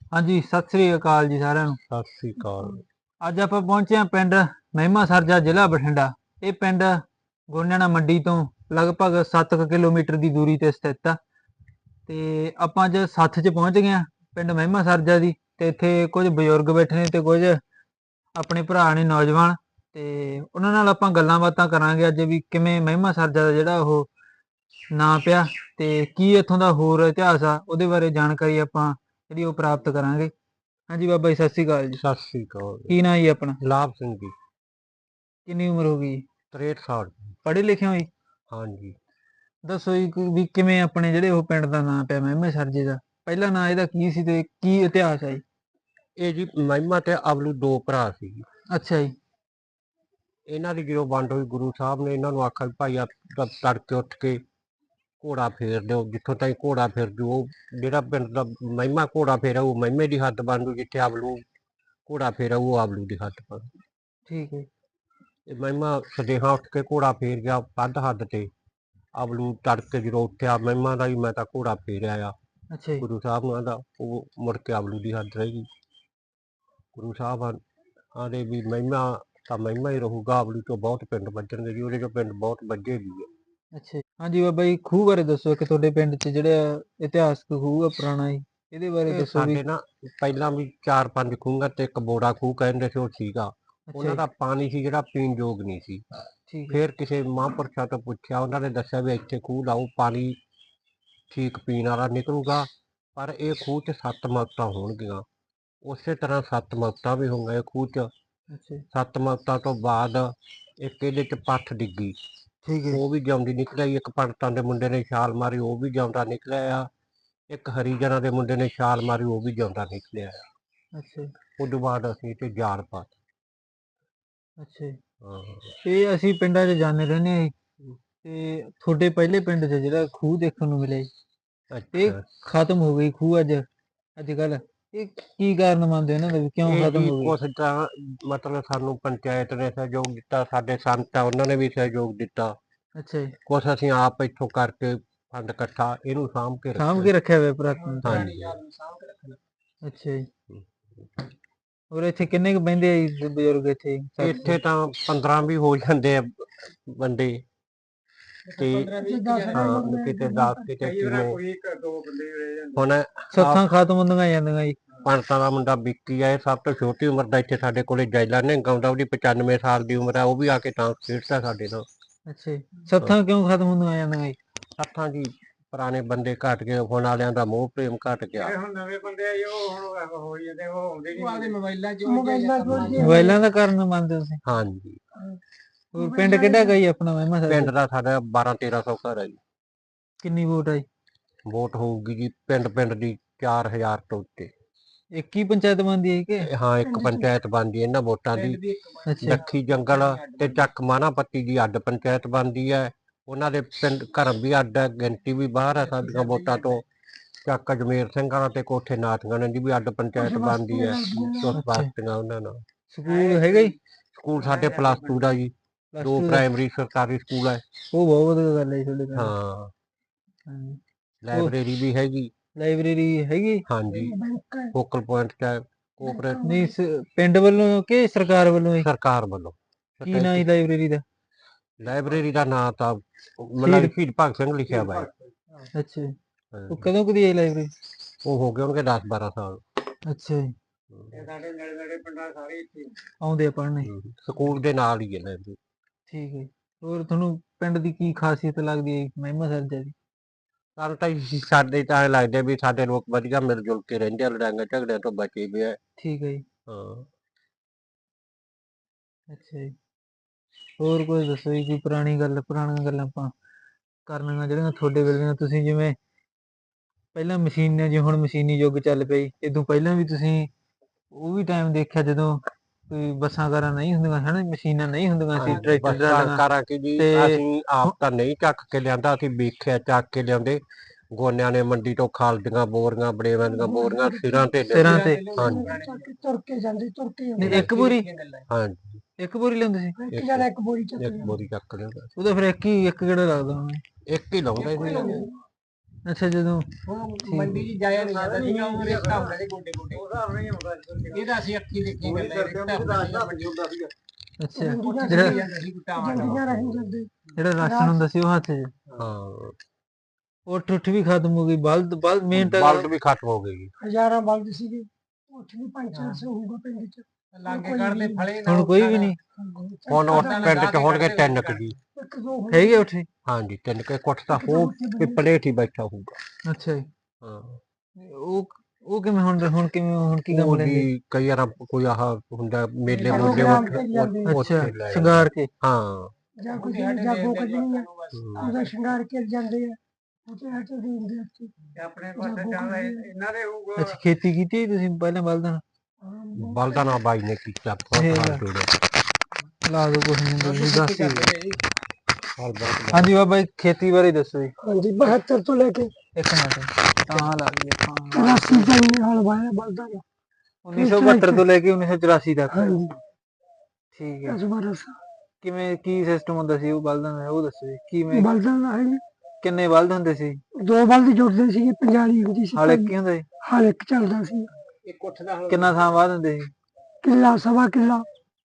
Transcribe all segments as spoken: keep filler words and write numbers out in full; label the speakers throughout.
Speaker 1: ਹਾਂਜੀ, ਸਤਿ ਸ੍ਰੀ ਅਕਾਲ ਜੀ ਸਾਰਿਆਂ ਨੂੰ।
Speaker 2: ਸਤਿ ਸ੍ਰੀ ਅਕਾਲ।
Speaker 1: ਅੱਜ ਆਪਾਂ ਪਹੁੰਚੇ ਹਾਂ ਪਿੰਡ ਮਹਿਮਾ ਸਰਜਾ, ਜ਼ਿਲ੍ਹਾ ਬਠਿੰਡਾ। ਇਹ ਪਿੰਡ ਗੋਨਿਆਣਾ ਮੰਡੀ ਤੋਂ ਲਗਭਗ ਸੱਤ ਕੁ ਕਿਲੋਮੀਟਰ ਦੀ ਦੂਰੀ ਤੇ ਸਥਿਤ ਆ। ਤੇ ਆਪਾਂ ਅੱਜ ਸੱਥ 'ਚ ਪਹੁੰਚ ਗਏ ਹਾਂ ਪਿੰਡ ਮਹਿਮਾ ਸਰਜਾ ਦੀ। ਤੇ ਇੱਥੇ ਕੁਝ ਬਜ਼ੁਰਗ ਬੈਠੇ ਨੇ ਤੇ ਕੁਝ ਆਪਣੇ ਭਰਾ ਨੇ ਨੌਜਵਾਨ। ਤੇ ਉਹਨਾਂ ਨਾਲ ਆਪਾਂ ਗੱਲਾਂ ਬਾਤਾਂ ਕਰਾਂਗੇ ਅੱਜ ਵੀ ਕਿਵੇਂ ਮਹਿਮਾ ਸਰਜਾ ਦਾ ਜਿਹੜਾ ਉਹ ਨਾਂ ਪਿਆ ਤੇ ਕੀ ਇੱਥੋਂ ਦਾ ਹੋਰ ਇਤਿਹਾਸ ਆ, ਉਹਦੇ ਬਾਰੇ ਜਾਣਕਾਰੀ ਆਪਾਂ ਜਿਹੜੀ ਉਹ ਪ੍ਰਾਪਤ ਕਰਾਂਗੇ। ਹਾਂਜੀ ਬਾਬਾ ਜੀ, ਸਤਿ ਸ੍ਰੀ ਅਕਾਲ ਜੀ।
Speaker 2: ਸਤਿ ਸ੍ਰੀ ਅਕਾਲ।
Speaker 1: ਕੀ ਨਾਂ ਜੀ ਆਪਣਾ?
Speaker 2: ਲਾਭ ਸਿੰਘ ਜੀ।
Speaker 1: ਕਿੰਨੀ ਉਮਰ ਹੋ ਗਈ?
Speaker 2: ਤਰੇਹਠ ਸਾਲ।
Speaker 1: ਪੜ੍ਹੇ ਲਿਖੇ ਹੋ ਜੀ?
Speaker 2: ਹਾਂਜੀ।
Speaker 1: ਦੱਸੋ ਜੀ ਕੋਈ ਵੀ ਕਿਵੇਂ ਆਪਣੇ ਜਿਹੜੇ ਉਹ ਪਿੰਡ ਦਾ ਨਾਂ ਪਿਆ ਮਹਿਮਾ ਸਰਜੇ ਦਾ? ਪਹਿਲਾ ਨਾਂ ਇਹਦਾ ਕੀ ਸੀ ਤੇ ਕੀ ਇਤਿਹਾਸ ਹੈ ਜੀ?
Speaker 2: ਇਹ ਜੀ ਮਹਿਮਾ ਤੇ ਅਬਲੂ ਦੋ ਭਰਾ ਸੀ ਜੀ।
Speaker 1: ਅੱਛਾ ਜੀ।
Speaker 2: ਇਹਨਾਂ ਦੀ ਜਦੋਂ ਵੰਡ ਹੋਈ, ਗੁਰੂ ਸਾਹਿਬ ਨੇ ਇਹਨਾਂ ਨੂੰ ਆਖਿਆ ਵੀ ਭਾਈ ਆ ਤੜਕੇ ਉੱਠ ਕੇ ਘੋੜਾ ਫੇਰ ਦਿਓ, ਜਿੱਥੋਂ ਤਾਈਂ ਘੋੜਾ ਫਿਰ ਜੂ ਉਹ ਜਿਹੜਾ ਪਿੰਡ ਦਾ ਮਹਿਮਾ ਘੋੜਾ ਫੇਰਾ ਉਹ ਮਹਿਮੇ ਦੀ ਹੱਦ ਬਣ ਜੂ, ਜਿੱਥੇ ਅਬਲੂ ਘੋੜਾ ਫੇਰਾ ਉਹ ਅਬਲੂ ਦੀ ਹੱਦ ਬਣ ਜੂ।
Speaker 1: ਠੀਕ ਹੈ।
Speaker 2: ਇਹ ਮਹਿਮਾ ਸਦੇਹਾ ਉੱਠ ਕੇ ਘੋੜਾ ਫੇਰ ਗਿਆ ਵੱਧ ਹੱਦ ਤੇ। ਅਬਲੂ ਤੜਕੇ ਜਦੋਂ ਉੱਠਿਆ ਮਹਿਮਾ ਦਾ ਵੀ ਮੈਂ ਤਾਂ ਘੋੜਾ ਫੇਰਿਆ ਆ।
Speaker 1: ਅੱਛਾ ਜੀ।
Speaker 2: ਗੁਰੂ ਸਾਹਿਬ ਨੂੰ ਆਂਦਾ ਉਹ ਮੁੜ ਕੇ ਅਬਲੂ ਦੀ ਹੱਦ ਰਹਿ ਗਈ। ਗੁਰੂ ਸਾਹਿਬ ਆਂਦੇ ਵੀ ਮਹਿਮਾ ਤਾਂ ਮਹਿਮਾ ਹੀ ਰਹੂਗਾ, ਅਬਲੂ ਤੋਂ ਬਹੁਤ ਪਿੰਡ ਵੱਜਣਗੇ ਜੀ, ਉਹਦੇ ਚੋਂ ਪਿੰਡ ਬਹੁਤ ਵੱਜੇ ਵੀ ਹੈ।
Speaker 1: ਅੱਛਾ ਜੀ। ਹਾਂਜੀ ਬਾਬਾ ਜੀ, ਖੂਹ ਬਾਰੇ ਦੱਸੋ ਕਿ ਤੁਹਾਡੇ ਪਿੰਡ 'ਚ ਜਿਹੜਾ ਇਤਿਹਾਸਕ ਖੂਹ ਆ ਪੁਰਾਣਾ ਜੀ, ਇਹਦੇ ਬਾਰੇ
Speaker 2: ਇਹ
Speaker 1: ਦੱਸੋ ਵੀ।
Speaker 2: ਸਾਡੇ ਨਾ ਪਹਿਲਾਂ ਵੀ ਚਾਰ ਪੰਜ ਖੂਹਾਂ ਤੇ ਇੱਕ ਬੋੜਾ ਖੂਹ ਕਹਿੰਦੇ ਸੀ, ਉਹ ਸੀਗਾ।
Speaker 1: ਅੱਛਾ
Speaker 2: ਉਹਨਾਂ
Speaker 1: ਜੀ।
Speaker 2: ਦਾ ਪਾਣੀ ਸੀ ਜਿਹੜਾ ਪੀਣ ਯੋਗ ਨਹੀਂ ਸੀ।
Speaker 1: ਠੀਕ ਹੈ।
Speaker 2: ਫਿਰ ਕਿਸੇ ਮਹਾਂਪੁਰਸ਼ਾਂ ਤੋਂ ਪੁੱਛਿਆ, ਉਹਨਾਂ ਨੇ ਦੱਸਿਆ ਵੀ ਇੱਥੇ ਖੂਹ ਲਾਓ, ਪਾਣੀ ਠੀਕ ਪੀਣ ਵਾਲਾ ਨਿਕਲੂਗਾ, ਪਰ ਇਹ ਖੂਹ 'ਚ ਸੱਤ ਮੌਤਾਂ ਹੋਣਗੀਆਂ। ਉਸੇ ਤਰ੍ਹਾਂ ਸੱਤ ਮੌਤਾਂ ਵੀ ਹੋਈਆਂ ਇਹ ਖੂਹ 'ਚ।
Speaker 1: ਅੱਛਾ ਜੀ।
Speaker 2: ਸੱਤ ਮੌਤਾਂ ਤੋਂ ਬਾਅਦ ਇੱਕ ਇਹਦੇ 'ਚ ਪੱਠ ਡਿੱਗੀ,
Speaker 1: ਠੀਕ ਹੈ।
Speaker 2: ਉਹ ਵੀ ਜਿਉਂਦੀ ਨਿਕਲਿਆ। ਇੱਕ ਪੰਡਤਾਂ ਦੇ ਮੁੰਡੇ ਨੇ ਛਾਲ ਮਾਰੀ, ਉਹ ਵੀ ਜਿਉਂਦਾ ਨਿਕਲਿਆ ਆ। ਇੱਕ ਹਰੀਜਨਾਂ ਦੇ ਮੁੰਡੇ ਨੇ ਛਾਲ ਮਾਰੀ, ਉਹ ਵੀ ਜਿਉਂਦਾ ਨਿਕਲਿਆ ਆ।
Speaker 1: ਅੱਛਾ ਜੀ।
Speaker 2: ਉਦੋਂ ਬਾਅਦ ਅਸੀਂ ਤੇ ਜਾਲ ਪਾ
Speaker 1: ਅੱਛਾ ਜੀ।
Speaker 2: ਹਾਂ।
Speaker 1: ਇਹ ਅਸੀਂ ਪਿੰਡਾਂ 'ਚ ਜਾਂਦੇ ਰਹਿੰਦੇ ਹਾਂ ਜੀ। ਤੇ ਤੁਹਾਡੇ ਪਹਿਲੇ ਪਿੰਡ 'ਚ ਜਿਹੜਾ ਖੂਹ ਦੇਖਣ ਨੂੰ ਮਿਲਿਆ ਜੀ, ਇਹ
Speaker 2: ਅੱਛਾ।
Speaker 1: ਖਤਮ ਹੋ ਗਈ ਖੂਹ ਅੱਜ ਅੱਜ ਕੱਲ, ਇਹ ਕੀ ਕਾਰਨ ਮੰਨਦੇ ਹੋ ਇਹਨਾਂ ਦਾ ਵੀ ਕਿਉਂ
Speaker 2: ਇਹ
Speaker 1: ਖਤਮ
Speaker 2: ਜੀ
Speaker 1: ਹੋ ਗਈ?
Speaker 2: ਕੁਛ ਤਾਂ ਮਤਲਬ ਸਾਨੂੰ ਪੰਚਾਇਤ ਨੇ ਸਹਿਯੋਗ ਦਿੱਤਾ, ਸਾਡੇ ਸੰਤ ਆ ਉਹਨਾਂ ਨੇ ਵੀ ਸਹਿਯੋਗ ਦਿੱਤਾ।
Speaker 1: ਅੱਛਾ ਜੀ।
Speaker 2: ਕੁਛ ਅਸੀਂ ਆਪ ਇੱਥੋਂ ਕਰਕੇ ਫੰਡ ਇਕੱਠਾ ਇਹਨੂੰ ਸਾਂਭ ਕੇ
Speaker 1: ਸਾਂਭ
Speaker 2: ਰੱਖਿਆ।
Speaker 1: ਕੇ ਰੱਖਿਆ ਹੋਇਆ ਪੁਰਾਤਨ ਤੋਂ?
Speaker 2: ਹਾਂਜੀ।
Speaker 1: ਅੱਛਾ ਜੀ। ਹੋਰ ਇੱਥੇ ਕਿੰਨੇ ਕੁ ਬਹਿੰਦੇ ਆ ਜੀ ਬਜ਼ੁਰਗ ਇੱਥੇ ਸੱਥ 'ਚ?
Speaker 2: ਇੱਥੇ ਤਾਂ ਪੰਦਰਾਂ ਵੀ ਹੋ ਜਾਂਦੇ ਆ ਬੰਦੇ ਤੇ ਹਾਂ, ਕਿਤੇ ਦਸ ਕਿਤੇ ਕਿਵੇਂ। ਹੁਣ
Speaker 1: ਸੱਥਾਂ ਖਤਮ ਹੁੰਦੀਆਂ ਜਾਂਦੀਆਂ ਜੀ।
Speaker 2: ਪੰਡਤਾਂ ਦਾ ਮੁੰਡਾ ਵਿੱਕੀ ਆ, ਇਹ ਸਭ ਤੋਂ ਛੋਟੀ ਉਮਰ ਦਾ ਇੱਥੇ ਸਾਡੇ ਕੋਲੇ ਜੈਲਾ ਨੇ ਗਾਉਂਦਾ, ਉਹਦੀ ਪਚਾਨਵੇਂ ਸਾਲ ਦੀ ਉਮਰ ਆ, ਉਹ ਵੀ ਆ ਕੇ ਤਾਂ ਖੇਡਦਾ ਸਾਡੇ ਨਾਲ।
Speaker 1: ਅੱਛਾ ਜੀ। ਸੱਥਾਂ ਕਿਉਂ ਖਤਮ ਹੁੰਦੀਆਂ ਜਾਂਦੀਆਂ ਜੀ?
Speaker 2: ਸੱਥਾਂ ਜੀ ਪੁਰਾਣੇ ਬੰਦੇ ਘੱਟ ਗਏ, ਹੁਣ ਵਾਲਿਆਂ ਦਾ ਮੋਹ ਪ੍ਰੇਮ ਘੱਟ ਗਿਆ।
Speaker 3: ਹੁਣ ਨਵੇਂ ਬੰਦੇ ਆਏ ਉਹ ਹੁਣ ਹੋ ਜਾਂਦੇ, ਉਹ ਆਉਂਦੇ ਨਹੀਂ ਮੋਬਾਈਲਾਂ 'ਚ
Speaker 1: ਮੋਬਾਈਲਾਂ ਦਾ ਕਾਰਨ ਮੰਨਦੇ ਹੋ ਤੁਸੀਂ?
Speaker 2: ਹਾਂਜੀ।
Speaker 1: ਹੋਰ ਪਿੰਡ ਕਿਹੜਾ ਗਾ ਜੀ ਆਪਣਾ ਮਹਿਮਾ ਸਰਜਾ?
Speaker 2: ਪਿੰਡ ਦਾ ਸਾਡਾ ਬਾਰਾਂ ਤੇਰਾਂ ਸੌ ਘਰ ਹੈ ਜੀ।
Speaker 1: ਕਿੰਨੀ ਵੋਟ ਆ ਜੀ?
Speaker 2: ਵੋਟ ਹੋਊਗੀ ਜੀ ਪਿੰਡ ਪਿੰਡ ਦੀ ਚਾਰ ਹਜ਼ਾਰ ਤੋਂ ਉੱਤੇ।
Speaker 1: ਇੱਕ ਹੀ ਪੰਚਾਇਤ ਬਣਦੀ ਹੈ ਕਿ?
Speaker 2: ਇਹ ਹਾਂ, ਇੱਕ ਪੰਚਾਇਤ ਬਣਦੀ ਹੈ ਇਹਨਾਂ ਵੋਟਾਂ ਦੀ।
Speaker 1: ਅੱਛਾ।
Speaker 2: ਲੱਖੀ ਜੰਗਲ ਤੇ ਚੱਕ ਮਾਨਾਪੱਤੀ ਦੀ ਅੱਡ ਪੰਚਾਇਤ ਬਣਦੀ ਹੈ। ਉਹਨਾਂ ਦੇ ਪਿੰਡ ਘਰ ਵੀ ਅੱਡ ਹੈ, ਗਿਣਤੀ ਵੀ ਬਾਹਰ ਹੈ ਸਾਡੀਆਂ ਵੋਟਾਂ ਤੋਂ। ਚੱਕ ਅਜਮੇਰ ਸਿੰਘ ਵਾਲਾ ਤੇ ਕੋਠੇ ਨਾਥਗਾਣੇ ਦੀ ਵੀ ਅੱਡ ਪੰਚਾਇਤ ਬਣਦੀ ਹੈ, ਉਸ ਬਸਤੀਆਂ ਉਹਨਾਂ ਨਾਲ।
Speaker 1: ਸਕੂਲ ਹੈਗਾ ਜੀ?
Speaker 2: ਸਕੂਲ ਸਾਡੇ ਪਲੱਸ ਟੂ ਦਾ ਜੀ, ਦੋ ਪ੍ਰਾਇਮਰੀ ਸਰਕਾਰੀ ਸਕੂਲ ਹੈ।
Speaker 1: ਉਹ ਬਹੁਤ ਵਧੀਆ ਗੱਲ ਹੈ ਜੀ ਤੁਹਾਡੇ ਪਿੰਡ।
Speaker 2: ਹਾਂ।
Speaker 1: ਹਾਂਜੀ।
Speaker 2: ਲਾਇਬ੍ਰੇਰੀ ਵੀ ਹੈਗੀ।
Speaker 1: ਲਾਇਬ੍ਰੇਰੀ ਹੈਗੀ?
Speaker 2: ਹਾਂਜੀ। ਫੋਕਲ ਪੁਆਇੰਟ ਚ ਕੋਆਪਰੇਟ
Speaker 1: ਨਹੀਂ ਪਿੰਡ ਵੱਲੋਂ ਕਿ ਸਰਕਾਰ ਵੱਲੋਂ?
Speaker 2: ਸਰਕਾਰ ਵੱਲੋਂ।
Speaker 1: ਕੀ ਨਾਂ ਜੀ ਲਾਇਬ੍ਰੇਰੀ ਦਾ?
Speaker 2: ਲਾਇਬ੍ਰੇਰੀ ਦਾ ਨਾਂ ਤਾਂ ਮਤਲਬ ਸ਼ਹੀਦ ਭਗਤ ਸਿੰਘ ਲਿਖਿਆ ਵਾ।
Speaker 1: ਅੱਛਾ ਜੀ। ਉਹ ਕਦੋਂ ਕਦੀ ਆਈ ਲਾਇਬ੍ਰੇਰੀ?
Speaker 2: ਉਹ ਹੋ ਗਏ ਹੋਣਗੇ ਦਸ ਬਾਰਾਂ ਸਾਲ।
Speaker 1: ਅੱਛਾ ਜੀ।
Speaker 3: ਸਾਡੇ ਨੇੜੇ ਨੇੜੇ ਪਿੰਡਾਂ ਸਾਰੇ ਇੱਥੇ
Speaker 1: ਆਉਂਦੇ ਆ ਪੜ੍ਹਨੇ?
Speaker 2: ਸਕੂਲ ਦੇ ਨਾਲ ਹੀ ਹੈ ਲਾਇਬ੍ਰੇਰੀ।
Speaker 1: ਠੀਕ ਹੈ। ਹੋਰ ਤੁਹਾਨੂੰ ਪਿੰਡ ਦੀ ਕੀ ਖਾਸੀਅਤ ਲੱਗਦੀ ਹੈ ਮਹਿਮਾ ਸਰਜਾ ਦੀ?
Speaker 2: ਸਾਨੂੰ ਤਾਂ ਸਾਡੇ ਤਾਂ ਐਂ ਲੱਗਦਾ ਵੀ ਸਾਡੇ ਲੋਕ ਵਧੀਆ ਮਿਲ ਜੁਲ ਕੇ ਰਹਿੰਦੇ ਆ, ਲੜਾਈਆਂ ਝਗੜਿਆਂ ਤੋਂ ਬਚੇ ਵੀ ਆ।
Speaker 1: ਠੀਕ ਹੈ ਜੀ।
Speaker 2: ਹਾਂ।
Speaker 1: ਅੱਛਾ ਜੀ। ਹੋਰ ਕੁਝ ਦੱਸੋ ਜੀ, ਕੋਈ ਪੁਰਾਣੀ ਗੱਲ, ਪੁਰਾਣੀਆਂ ਗੱਲਾਂ ਆਪਾਂ ਕਰਨੀਆਂ ਜਿਹੜੀਆਂ ਤੁਹਾਡੇ ਵੇਲੇ ਤੁਸੀਂ ਜਿਵੇਂ ਪਹਿਲਾਂ ਮਸ਼ੀਨਾਂ ਜੀ, ਹੁਣ ਮਸ਼ੀਨੀ ਯੁੱਗ ਚੱਲ ਪਈ, ਇਦੋਂ ਪਹਿਲਾਂ ਵੀ ਤੁਸੀਂ ਉਹ ਵੀ ਟਾਈਮ ਦੇਖਿਆ ਜਦੋਂ ਕੋਈ ਬੱਸਾਂ ਕਾਰਾਂ ਨਹੀਂ ਹੁੰਦੀਆਂ ਹਨਾ, ਮਸ਼ੀਨਾਂ ਨਹੀਂ ਹੁੰਦੀਆਂ ਸੀ, ਟਰੈਕਟਰ
Speaker 2: ਬੱਸਾਂ
Speaker 1: ਟਰਾਲੀਆਂ
Speaker 2: ਕਾਰਾਂ ਕੀ ਜੀ,
Speaker 1: ਤੇ
Speaker 2: ਅਸੀਂ ਆਪ ਤਾਂ ਨਹੀਂ ਚੱਕ ਕੇ ਲਿਆਂਦਾ, ਅਸੀਂ ਵੇਖਿਆ ਚੱਕ ਕੇ ਲਿਆਉਂਦੇ। ਗੋਨਿਆਂ ਨੇ ਮੰਡੀ ਤੋਂ ਖਾਲਦੀਆਂ ਬੋਰੀਆਂ, ਬੜੇਵਾਂ ਦੀਆਂ ਬੋਰੀਆਂ ਸਿਰਾਂ ਤੇ
Speaker 1: ਸਿਰਾਂ ਤੇ?
Speaker 2: ਹਾਂਜੀ।
Speaker 3: ਤੁਰ ਕੇ ਜਾਂਦੇ, ਤੁਰ ਕੇ
Speaker 1: ਨਹੀਂ, ਇੱਕ ਬੋਰੀ?
Speaker 2: ਹਾਂਜੀ।
Speaker 1: ਇੱਕ ਬੋਰੀ ਲਿਆਉਂਦੇ ਸੀ?
Speaker 3: ਇੱਕ ਜਣਾ ਇੱਕ ਬੋਰੀ ਚੱਕ
Speaker 2: ਇੱਕ ਬੋਰੀ ਚੱਕ ਲਿਆਉਂਦਾ।
Speaker 1: ਉਹਦਾ ਫਿਰ ਇੱਕ ਹੀ ਇੱਕ ਕਿਹੜਾ ਲੱਗਦਾ ਹੁਣ?
Speaker 2: ਇੱਕ ਹੀ ਲਾਉਂਦਾ ਜੀ।
Speaker 1: ਅੱਛਾ ਜਦੋਂ
Speaker 2: ਉਹ ਮੰਡੀ 'ਚ ਜਾਇਆ ਨਹੀਂ ਜਾਂਦਾ ਸੀਗਾ ਉਹ ਰੇਤਾ ਹੁੰਦਾ ਸੀ ਗੋਡੇ ਗੋਡੇ ਇਹਦਾ ਅਸੀਂ ਅੱਖੀ ਦੇਖੀ ਗੱਲਾਂ ਰੇਤਾ ਹੁੰਦਾ ਸੀਗਾ ਮੰਡੀ
Speaker 1: ਅੱਛਾ
Speaker 2: ਜਿਹੜਾ
Speaker 1: ਜਿਹੜਾ
Speaker 2: ਜਾਂਦਾ ਸੀ ਟਮਾਟਰ
Speaker 1: ਜਿਹੜਾ ਰਾਸ਼ਨ ਹੁੰਦਾ ਸੀ ਉਹ ਹੱਥ 'ਚ
Speaker 2: ਹਾਂ
Speaker 1: ਉਹ ਠੁੱਠ ਵੀ ਖਤਮ ਹੋ ਗਈ ਬਲਦ ਬਲਦ ਮੇਨ ਤਾਂ
Speaker 2: ਬਲਦ ਵੀ ਖਤਮ ਹੋ ਗਏ ਜੀ
Speaker 4: ਹਜ਼ਾਰਾਂ ਬਲਦ ਸੀਗੇ ਉੱਥੇ ਵੀ ਪੰਜ ਚਾਰ ਸੌ ਹੋਊਗਾ ਪਿੰਡ ਚ
Speaker 2: ਲਾਗੇ ਕੱਢਦੇ ਫਲੇ
Speaker 1: ਹੁਣ ਕੋਈ ਵੀ ਨਹੀਂ
Speaker 2: ਹੁਣ ਉਹ ਪਿੰਡ 'ਚ ਹੋਣਗੇ ਤਿੰਨ ਕੁ ਜੀ
Speaker 4: ਇੱਕ ਦੋ ਹੋਏ।
Speaker 1: ਹੈਗੇ ਉੱਥੇ
Speaker 2: ਹਾਂਜੀ ਤਿੰਨ ਕੁ ਕੁੱਟ ਤਾਂ ਹੋ ਪਿੱਪਲੇ 'ਚ ਹੀ ਬੈਠਾ ਹੋਊਗਾ
Speaker 1: ਅੱਛਾ ਜੀ
Speaker 2: ਹਾਂ
Speaker 1: ਉਹ ਉਹ ਕਿਵੇਂ ਹੁਣ ਹੁਣ ਕਿਵੇਂ ਹੁਣ ਕੀ ਕੰਮ
Speaker 2: ਉਹ
Speaker 1: ਲੈਂਦੇ
Speaker 2: ਜੀ ਕਈ ਵਾਰ ਕੋਈ ਆਹ ਹੁੰਦਾ ਮੇਲੇ
Speaker 4: ਪ੍ਰੋਗਰਾਮ
Speaker 2: ਮੂਲੇ
Speaker 4: ਤੇ ਜਾਂਦੇ ਆ।
Speaker 2: ਉੱਥੇ
Speaker 1: ਅੱਛਾ
Speaker 2: ਲੈ
Speaker 1: ਸ਼ਿੰਗਾਰ ਕੇ
Speaker 2: ਹਾਂ
Speaker 4: ਜਾਂ ਕੋਈ ਜਾਗੋ ਕੱਢਣੀ ਆ
Speaker 2: ਹਮ।
Speaker 4: ਉਹਦਾ ਸ਼ਿੰਗਾਰ ਕੇ ਜਾਂਦੇ ਆ ਉੱਥੇ ਹੱਟ ਦੇ ਹੁੰਦੇ ਉੱਥੇ
Speaker 3: ਆਪਣੇ ਪਾਸੇ ਚੱਲ ਇਹਨਾਂ ਦੇ ਹੋਊਗਾ
Speaker 1: ਅੱਛਾ ਖੇਤੀ ਕੀਤੀ ਹੈ ਤੁਸੀਂ ਪਹਿਲਾਂ ਬਲਦਾਂ ਨਾਲ?
Speaker 4: ਹਾਂ,
Speaker 2: ਬਲਦਾਂ ਨਾਲ ਬਾਈ ਨੇ ਕੀਤਾ ਬਹੁਤ
Speaker 1: ਇਹ
Speaker 2: ਹਾਲ
Speaker 1: ਲੈ।
Speaker 2: ਜੋੜਿਆ
Speaker 1: ਲਾ ਦੋ ਕੁਛ ਨਹੀਂ ਤੁਸੀਂ ਦੱਸ ਦਿਓ।
Speaker 2: ਹਾਲ ਬਹੁਤ
Speaker 1: ਹਾਂਜੀ ਬਾਬਾ ਜੀ ਖੇਤੀ ਬਾਰੇ ਦੱਸੋ ਜੀ
Speaker 4: ਹਾਂਜੀ ਬਹੱਤਰ ਤੋਂ ਲੈ ਕੇ
Speaker 1: ਇੱਕ ਮਿੰਟ ਤਾਂ ਲਾ ਲਈਏ ਆਪਾਂ
Speaker 4: ਰਾਸੀ ਤਾਈਂ ਹਲ ਵਾਇਆ ਬਲਦਾਂ ਦਾ
Speaker 1: ਉੱਨੀ ਸੌ ਬਹੱਤਰ ਤੋਂ ਲੈ ਕੇ ਉੱਨੀ ਸੌ ਚੁਰਾਸੀ ਤੱਕ
Speaker 4: ਹਾਂਜੀ
Speaker 1: ਠੀਕ ਹੈ
Speaker 4: ਦਸ ਬਾਰਾਂ ਸਾਲ
Speaker 1: ਕਿਵੇਂ ਕੀ ਸਿਸਟਮ ਹੁੰਦਾ ਸੀ ਉਹ ਬਲਦਾਂ ਦਾ ਉਹ ਦੱਸੋ ਜੀ ਕਿਵੇਂ
Speaker 4: ਬਲਦਾਂ ਦਾ ਹੈ
Speaker 1: ਕਿੰਨੇ ਬਲਦ ਹੁੰਦੇ ਸੀ
Speaker 4: ਦੋ ਬਲਦ ਜੁੜਦੇ ਸੀਗੇ ਪੰਜਾਲੀ ਹੁੰਦੀ ਸੀ
Speaker 1: ਹਾਲੇ ਕੀ ਹੁੰਦੇ ਸੀ
Speaker 4: ਹਲ ਇੱਕ ਚੱਲਦਾ ਸੀ
Speaker 2: ਇੱਕ ਉੱਠ ਦਾ
Speaker 1: ਕਿੰਨਾ ਥਾਂ ਬਾਅਦ ਹੁੰਦੇ ਸੀ
Speaker 4: ਕਿੱਲਾ ਸਵਾ ਕਿੱਲਾ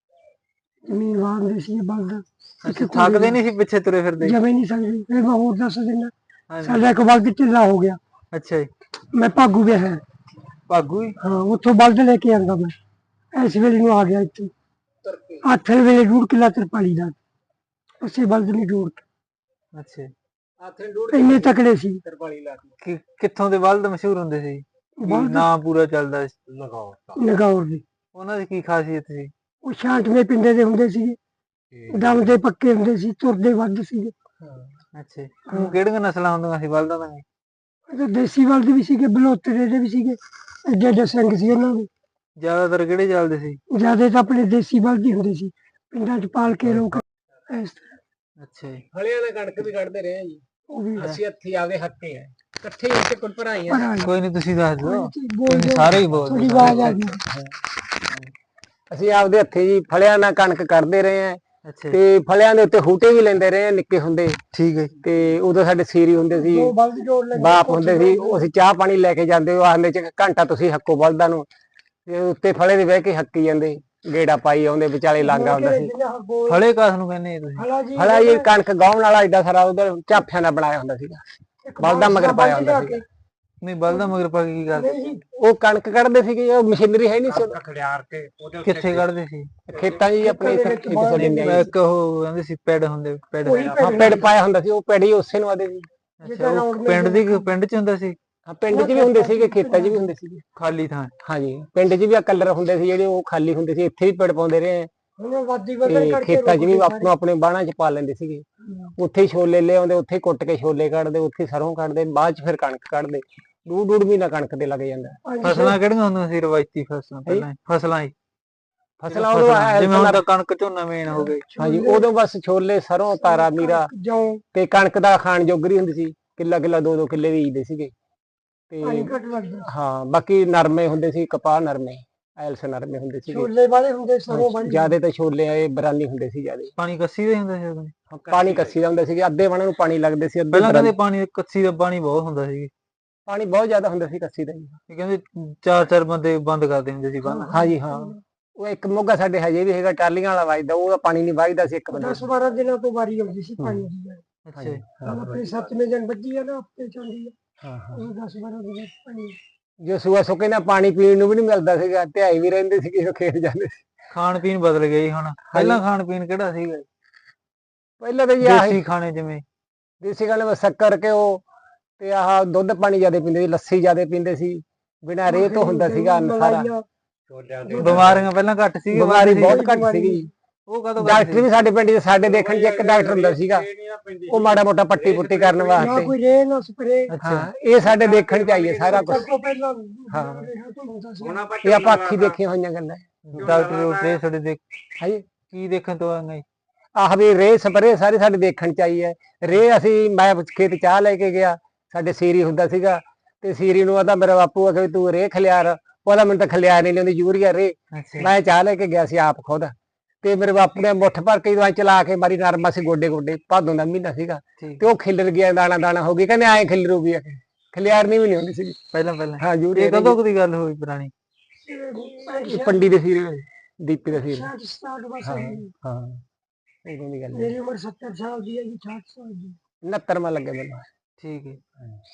Speaker 4: ਜ਼ਮੀਨ ਵਾਂਦੇ ਸੀ ਬਲਦ
Speaker 1: ਅੱਛਾ ਥੱਕਦੇ ਨਹੀਂ ਸੀ ਪਿੱਛੇ ਤੁਰੇ ਫਿਰਦੇ
Speaker 4: ਜਮੇ ਨਹੀਂ ਸਕਦੇ ਫਿਰ ਮੈਂ ਹੋਰ ਦੱਸ ਦਿੰਦਾ
Speaker 1: ਹਾਂਜੀ
Speaker 4: ਸਾਡਾ ਇੱਕ ਬਲਦ ਢਿੱਲਾ ਹੋ ਗਿਆ
Speaker 1: ਅੱਛਾ ਜੀ
Speaker 4: ਮੈਂ ਭਾਗੂ ਗਿਆ ਹੈ
Speaker 1: ਭਾਗੂ ਜੀ
Speaker 4: ਹਾਂ ਉੱਥੋਂ ਬਲਦ ਲੈ ਕੇ ਆਂਦਾ ਮੈਂ ਇਸ ਵੇਲੇ ਨੂੰ ਆ ਗਿਆ ਇੱਥੇ ਅੱਠ ਵੇਲੇ ਡੂਢ ਕਿੱਲਾ ਤਰਪਾਲੀ ਦਾ ਉਸੇ ਬਲਦ ਨੇ ਜੋੜ
Speaker 1: ਅੱਛਾ ਜੀ।
Speaker 2: ਆਥਰੇ ਡੂੜ
Speaker 4: ਇੰਨੇ ਤਕੜੇ ਸੀ
Speaker 2: ਤਰਪਾਲੀ ਲਾ ਕੇ
Speaker 1: ਕਿ ਕਿੱਥੋਂ ਦੇ ਬਲਦ ਮਸ਼ਹੂਰ ਹੁੰਦੇ ਸੀ ਕੀ
Speaker 4: ਬਲਦ
Speaker 1: ਨਾਂ ਪੂਰਾ ਚੱਲਦਾ ਸੀ
Speaker 2: ਲਗਾਉ
Speaker 4: ਨਗੌਰ ਦੇ
Speaker 1: ਉਹਨਾਂ ਦੀ ਕੀ ਖਾਸੀਅਤ ਸੀ
Speaker 4: ਉਹ ਛਾਂਟਵੇਂ ਪਿੰਡੇ ਦੇ ਹੁੰਦੇ ਸੀਗੇ ਦਮ ਦੇ ਪੱਕੇ ਹੁੰਦੇ ਸੀ ਤੁਰਦੇ ਵੱਧ ਸੀਗੇ
Speaker 1: ਅੱਛਾ ਜੀ। ਉਹ ਕਿਹੜੀਆਂ ਨਸਲਾਂ ਹੁੰਦੀਆਂ ਸੀ ਬਲਦਾਂ ਦੀਆਂ
Speaker 4: ਇਹ ਤਾਂ ਦੇਸੀ ਬਲਦ ਵੀ ਸੀਗੇ ਬਲੋਤਰੇ ਦੇ ਵੀ ਸੀਗੇ ਐਡੇ ਐਡੇ ਸਿੰਘ ਸੀ ਉਹਨਾਂ ਦੇ
Speaker 1: ਜ਼ਿਆਦਾਤਰ ਕਿਹੜੇ ਚੱਲਦੇ ਸੀ
Speaker 4: ਜਿਆਦਾ ਤਾਂ ਆਪਣੇ ਦੇਸੀ ਬਲਦ ਹੀ ਹੁੰਦੇ ਸੀ ਪਿੰਡਾਂ 'ਚ ਪਾਲ ਕੇ ਲੋਕ ਇਸ ਤਰ੍ਹਾਂ
Speaker 1: ਅੱਛਾ ਜੀ
Speaker 2: ਹਲਿਆਂ ਦਾ ਕਣਕ ਵੀ ਕੱਢਦੇ ਰਹੇ ਆ ਜੀ
Speaker 4: ਉਹ ਵੀ
Speaker 2: ਅਸੀਂ ਹੱਥੀ ਆਵੇ ਹੱਕੇ ਆ ਇਕੱਠੇ ਹੀ ਇੱਥੇ ਕੁੱਲ ਭਰਾਈ ਆ
Speaker 4: ਭਰਾ
Speaker 1: ਕੋਈ ਨਹੀਂ ਤੁਸੀਂ ਦੱਸ ਦਿਓ
Speaker 4: ਬੋਲ
Speaker 1: ਤੁਸੀਂ ਸਾਰੇ ਹੀ ਬੋਲ
Speaker 4: ਥੋੜੀ
Speaker 1: ਦਿਓ
Speaker 4: ਆਵਾਜ਼ ਆ ਗਈ
Speaker 2: ਅਸੀਂ ਆਪਦੇ ਹੱਥੀ ਜੀ ਫਲਿਆਂ ਨਾਲ ਕਣਕ ਕੱਢਦੇ ਰਹੇ ਆ
Speaker 1: ਅੱਛਾ ਜੀ।
Speaker 2: ਤੇ ਫਲਿਆਂ ਦੇ ਉੱਤੇ ਹੂਟੇ ਵੀ ਲੈਂਦੇ ਰਹੇ ਆ ਨਿੱਕੇ ਹੁੰਦੇ
Speaker 1: ਠੀਕ ਹੈ ਜੀ।
Speaker 2: ਤੇ ਉਦੋਂ ਸਾਡੇ ਸੀਰੀ ਹੁੰਦੇ ਸੀ
Speaker 4: ਦੋ ਬਲਦ ਜੋੜ ਲੈਂਦੇ
Speaker 2: ਬਾਪ ਹੁੰਦੇ ਸੀ ਉਹ ਅਸੀਂ ਚਾਹ ਪਾਣੀ ਲੈ ਕੇ ਜਾਂਦੇ ਉਹ ਆਖਦੇ ਚ ਘੰਟਾ ਤੁਸੀਂ ਹੱਕੋ ਬਲਦਾਂ ਨੂੰ ਤੇ ਉੱਤੇ ਫਲੇ ਦੇ ਬਹਿ ਕੇ ਹੱਕੀ ਜਾਂਦੇ ਗੇੜਾ ਪਾਈ ਆਉਂਦੇ ਵਿਚਾਲੇ ਲਾਂਗਾ ਹੁੰਦਾ ਸੀ
Speaker 1: ਫਲੇ ਕਾਸ ਨੂੰ ਕਹਿੰਦੇ ਆ ਤੁਸੀਂ
Speaker 4: ਹਲਾ ਜੀ
Speaker 2: ਫਲਾ ਇਹ ਕਣਕ ਗਾਉਣ ਵਾਲਾ ਏਡਾ ਸਾਰਾ ਉਧਰ ਝਾਫਿਆਂ ਦਾ ਬਣਾਇਆ ਹੁੰਦਾ ਸੀਗਾ ਬਲਦਾਂ ਮਗਰ ਪਾਇਆ ਹੁੰਦਾ ਸੀਗਾ
Speaker 1: ਨਹੀਂ ਬਲਦਾਂ ਮਗਰ ਪਾ ਕੇ ਕੀ ਕਰਦੇ
Speaker 2: ਉਹ ਕਣਕ ਕੱਢਦੇ ਸੀਗੇ ਉਹ ਮਸ਼ੀਨਰੀ ਹੈ ਨਹੀਂ ਸੀ ਉਦੋਂ। ਖੜਿਆਰ ਕੇ ਉਹਦੇ
Speaker 1: ਕਿੱਥੇ ਕੱਢਦੇ ਸੀ
Speaker 2: ਖੇਤਾਂ 'ਚ ਜੀ ਆਪਣੇ ਇੱਥੇ ਇੱਕ ਸਾਡੇ ਨਿਆਣੇ
Speaker 1: ਇੱਕ ਉਹ ਕਹਿੰਦੇ ਸੀ ਪੈਡ ਹੁੰਦੇ ਪੈਡ
Speaker 2: ਹਾਂ ਪਿੰਡ ਪਾਇਆ ਹੁੰਦਾ ਸੀ ਉਹ ਪਿੰਡ ਹੀ ਉਸੇ ਨੂੰ ਆਦੇ ਸੀ
Speaker 1: ਅੱਛਾ ਉਹ ਪਿੰਡ ਦੀ ਪਿੰਡ ਚ ਹੁੰਦਾ ਸੀ
Speaker 2: ਹਾਂ ਪਿੰਡ 'ਚ ਵੀ ਹੁੰਦੇ ਸੀਗੇ ਖੇਤਾਂ 'ਚ ਵੀ ਹੁੰਦੇ ਸੀਗੇ
Speaker 1: ਖਾਲੀ ਥਾਂ
Speaker 2: ਹਾਂਜੀ ਪਿੰਡ 'ਚ ਵੀ ਆ ਕਲਰ ਹੁੰਦੇ ਸੀ ਜਿਹੜੇ ਉਹ ਖਾਲੀ ਹੁੰਦੇ ਸੀ ਇੱਥੇ ਵੀ ਪਿੰਡ ਪਾਉਂਦੇ ਰਹੇ ਆ
Speaker 4: ਹੁਣ ਵਾਦੀ
Speaker 2: ਤੇ
Speaker 4: ਵਧਣ ਕਰਕੇ
Speaker 2: ਖੇਤਾਂ 'ਚ ਵੀ ਆਪੋ ਆਪਣੇ ਬਾਣਾ 'ਚ ਪਾ ਲੈਂਦੇ ਸੀਗੇ ਉੱਥੇ ਹੀ ਛੋਲੇ ਲੈ ਆਉਂਦੇ ਉੱਥੇ ਹੀ ਕੁੱਟ ਕੇ ਛੋਲੇ ਕੱਢਦੇ ਉੱਥੇ ਹੀ ਸਰੋਂ ਕੱਢਦੇ ਬਾਅਦ 'ਚ ਫਿਰ ਕਣਕ ਕੱਢਦੇ ਡੂੜ ਡੂੜ ਮਹੀਨਾ ਕਣਕ ਤੇ ਲੱਗ ਜਾਂਦਾ
Speaker 1: ਫਸਲਾਂ ਕਿਹੜੀਆਂ ਹੁੰਦੀਆਂ ਸੀ ਰਵਾਇਤੀ ਫਸਲਾਂ ਪਹਿਲਾਂ ਹੀ? ਫਸਲਾਂ ਹੀ
Speaker 2: ਫਸਲਾਂ ਉਦੋਂ ਆਇਆ
Speaker 1: ਜਿਵੇਂ ਹੁਣ ਤਾਂ ਕਣਕ ਝੋਨਾ ਮੇਨ ਹੋ ਗਈ
Speaker 2: ਹਾਂਜੀ ਉਦੋਂ ਬਸ ਛੋਲੇ ਸਰੋਂ ਤਾਰਾ ਮੀਰਾ
Speaker 4: ਜੌਂ
Speaker 2: ਤੇ ਕਣਕ ਦਾ ਖਾਣ ਜੋਗਰੀ ਹੁੰਦੀ ਸੀ ਕਿੱਲਾ ਕਿੱਲਾ ਦੋ ਦੋ ਕਿੱਲੇ ਬੀਜਦੇ ਸੀਗੇ
Speaker 4: ਪਾਣੀ
Speaker 2: ਤੇ
Speaker 4: ਘੱਟ ਲੱਗਦਾ
Speaker 2: ਹਾਂ ਬਾਕੀ ਨਰਮੇ ਹੁੰਦੇ ਸੀ ਕਪਾਹ ਨਰਮੇ ਐਲਸ ਨਰਮੇ ਹੁੰਦੇ ਸੀਗੇ
Speaker 4: ਛੋਲੇ ਵਾਲੇ ਹੁੰਦੇ ਸਰੋਂ ਵਾਲੇ
Speaker 2: ਜਿਆਦੇ ਤਾਂ ਛੋਲੇ ਆਏ ਬਰਾਨੀ ਹੁੰਦੇ ਸੀ ਜਿਆਦੇ
Speaker 1: ਪਾਣੀ ਕੱਸੀ ਦਾ ਹੀ ਹੁੰਦਾ ਸੀ ਉਦੋਂ
Speaker 2: ਪਾਣੀ ਕੱਸੀ ਦਾ ਹੁੰਦਾ ਸੀ ਅੱਧੇ ਵਣਾਂ ਨੂੰ ਪਾਣੀ ਲੱਗਦੇ ਸੀ ਅੱਧੇ
Speaker 1: ਪਹਿਲਾਂ
Speaker 2: ਬਰਾਨੀ-
Speaker 1: ਕਹਿੰਦੇ ਪਾਣੀ ਕੱਸੀ ਦਾ ਪਾਣੀ ਬਹੁਤ ਹੁੰਦਾ ਸੀ
Speaker 2: ਪਾਣੀ ਬਹੁਤ ਜ਼ਿਆਦਾ ਹੁੰਦਾ ਸੀ ਕੱਸੀ ਦਾ ਜੀ
Speaker 1: ਇਹ ਕਹਿੰਦੇ ਚਾਰ ਚਾਰ ਬੰਦੇ ਬੰਦ ਕਰਦੇ ਹੁੰਦੇ ਸੀ ਬੰਨ
Speaker 2: ਹਾਂਜੀ ਹਾਂ ਉਹ ਇੱਕ ਮੋਗਾ ਸਾਡੇ ਹਜੇ ਵੀ ਹੈਗਾ ਟਾਲੀਆਂ ਵਾਲਾ ਵੱਜਦਾ ਉਹਦਾ ਪਾਣੀ ਨਹੀਂ ਵੱਜਦਾ ਸੀ ਇੱਕ ਬੰਦੇ
Speaker 4: ਦਸ ਬਾਰਾਂ ਦਿਨਾਂ ਤੋਂ ਵਾਰੀ ਆਉਂਦੀ ਸੀ ਪਾਣੀ ਦੀ
Speaker 1: ਅੱਛਾ ਜੀ।
Speaker 4: ਹੁਣ ਆਪਣੇ ਸੱਤਵੇਂ ਦਿਨ ਵੱਜੀ ਆ ਨਾ ਹਫਤੇ ਚਾਂਦੀ ਆ
Speaker 2: ਹਾਂ ਹਾਂ
Speaker 4: ਉਹ ਦਸ ਬਾਰਾਂ ਦਿਨ ਪਾਣੀ
Speaker 2: ਜੋ ਸੂਆ ਸੁੱਕੇ ਨਾ ਪਾਣੀ ਪੀਣ ਨੂੰ ਵੀ ਨਹੀਂ ਮਿਲਦਾ ਸੀਗਾ ਧਿਆਈ ਵੀ ਰਹਿੰਦੇ ਸੀ ਕਿਸੇ ਖੇਤ ਜਾਂਦੇ ਸੀ
Speaker 1: ਖਾਣ ਪੀਣ ਬਦਲ ਗਿਆ ਜੀ ਹੁਣ ਪਹਿਲਾਂ ਖਾਣ ਪੀਣ ਕਿਹੜਾ ਸੀਗਾ ਜੀ?
Speaker 2: ਪਹਿਲਾਂ ਤਾਂ ਜੀ ਆਹੀ
Speaker 1: ਦੇਸੀ ਖਾਣੇ ਜਿਵੇਂ
Speaker 2: ਦੇਸੀ ਗੱਲ ਵਿੱਚ ਸ਼ੱਕਰ ਘਿਓ ਤੇ ਆਹ ਦੁੱਧ ਪਾਣੀ ਜ਼ਿਆਦਾ ਪੀਂਦੇ ਸੀ ਲੱਸੀ ਜ਼ਿਆਦਾ ਪੀਂਦੇ ਸੀ ਬਿਨਾਂ ਰੇਹ ਤੋਂ ਹੁੰਦਾ ਸੀਗਾ ਸਾਰਾ
Speaker 1: ਬਿਮਾਰੀਆਂ ਪਹਿਲਾਂ ਘੱਟ ਸੀ
Speaker 2: ਬਿਮਾਰੀ ਬਹੁਤ ਘੱਟ ਸੀਗੀ
Speaker 1: ਉਹ ਕਦੋਂ
Speaker 2: ਡਾਕਟਰ ਵੀ ਸਾਡੇ ਪਿੰਡ 'ਚ ਸਾਡੇ ਦੇਖਣ 'ਚ ਇੱਕ ਡਾਕਟਰ ਹੁੰਦਾ ਸੀਗਾ ਉਹ ਮਾੜਾ ਮੋਟਾ ਪੱਟੀ ਪੁੱਟੀ ਕਰਨ
Speaker 4: ਨਾ
Speaker 2: ਵਾਸਤੇ
Speaker 4: ਕੋਈ ਰੇ ਨਾ ਸਪਰੇ
Speaker 2: ਹਾਂ ਇਹ ਸਾਡੇ ਦੇਖਣ 'ਚ ਆਈਏ ਸਾਰਾ ਕੁਝ
Speaker 4: ਤੋਂ ਪਹਿਲਾਂ
Speaker 2: ਹਾਂ।
Speaker 4: ਰਿਹਾ ਕੋਈ ਹੁੰਦਾ ਸੀ
Speaker 3: ਹੁਣ ਆਪਾਂ
Speaker 2: ਇਹ ਆਪਾਂ ਅੱਖੀ ਦੇਖੀਆਂ ਹੋਈਆਂ ਗੱਲਾਂ
Speaker 1: ਡਾਕਟਰ ਉਤੇ ਸਾਡੇ ਦੇਖ
Speaker 2: ਹਾਂਜੀ
Speaker 1: ਕੀ ਦੇਖਣ ਤੋਂ ਆਏ
Speaker 2: ਆਹ ਵੀ ਰੇ ਸਪਰੇ ਸਾਰੇ ਸਾਡੇ ਦੇਖਣ 'ਚ ਆਈ ਹੈ ਰੇ ਅਸੀਂ ਮੈਂ ਖੇਤ ਚਾਹ ਲੈ ਕੇ ਗਿਆ ਸਾਡੇ ਸੀਰੀ ਹੁੰਦਾ ਸੀਗਾ ਤੇ ਸੀਰੀ ਨੂੰ ਆਦਾ ਮੇਰਾ ਬਾਪੂ ਆ ਕਿ ਤੂੰ ਰੇ ਖਲਿਆਰ ਉਹਦਾ ਮੈਨੂੰ ਤਾਂ ਖਲਿਆਰ ਨਹੀਂ ਲਿਆਉਂਦੀ ਯੂਰੀਆ ਰੇ
Speaker 1: ਅੱਛਾ
Speaker 2: ਮੈਂ ਚਾਹ ਲੈ ਕੇ ਗਿਆ ਸੀ ਆਪ ਖੁਦ ਤੇ ਮੇਰੇ ਬਾਪੂ ਨੇ ਮੁੱਠ ਭਰ ਕੇ ਦਵਾਈ ਚਲਾ ਕੇ ਮਾਰੀ ਨਰਮਾ ਸੀ ਗੋਡੇ ਗੋਡੇ ਭਾਦੋਂ ਦਾ ਮਹੀਨਾ ਸੀਗਾ
Speaker 1: ਠੀਕ
Speaker 2: ਤੇ ਉਹ ਖਿਲਰ ਗਿਆ ਦਾਣਾ ਦਾਣਾ ਹੋ ਗਈ ਕਹਿੰਦੇ ਐਂ ਖਿਲਰੂਗੀ
Speaker 5: ਖਲਿਆਰਨੀ ਵੀ ਨਹੀਂ ਹੁੰਦੀ ਸੀ
Speaker 1: ਪਹਿਲਾਂ ਪਹਿਲਾਂ
Speaker 5: ਹਾਂ ਜੂਰੀ
Speaker 1: ਇਹ ਕਦੋਂ ਕੁ ਦੀ ਗੱਲ ਹੋਈ ਪੁਰਾਣੀ?
Speaker 5: ਪੰਡੀ ਦੇ ਸੀਰੀਅਲ ਦੀਪੀ ਦਾ ਸੀਰੀਅਲ
Speaker 4: ਸਾठ ਸਤਾਹਠ ਬਸ
Speaker 5: ਹਾਂ
Speaker 4: ਹੋਈ।
Speaker 5: ਹਾਂ ਇਦੋਂ ਦੀ ਗੱਲ ਹੈ
Speaker 4: ਮੇਰੀ ਉਮਰ ਸੱਤਰ ਸਾਲ ਦੀ ਹੈ ਜੀ, ਅਠਾਹਠ ਸਾਲ ਦੀ।
Speaker 5: ਉਨੱਤਰ ਮਾ ਲੱਗੇ ਮੈਨੂੰ
Speaker 1: ਠੀਕ ਹੈ।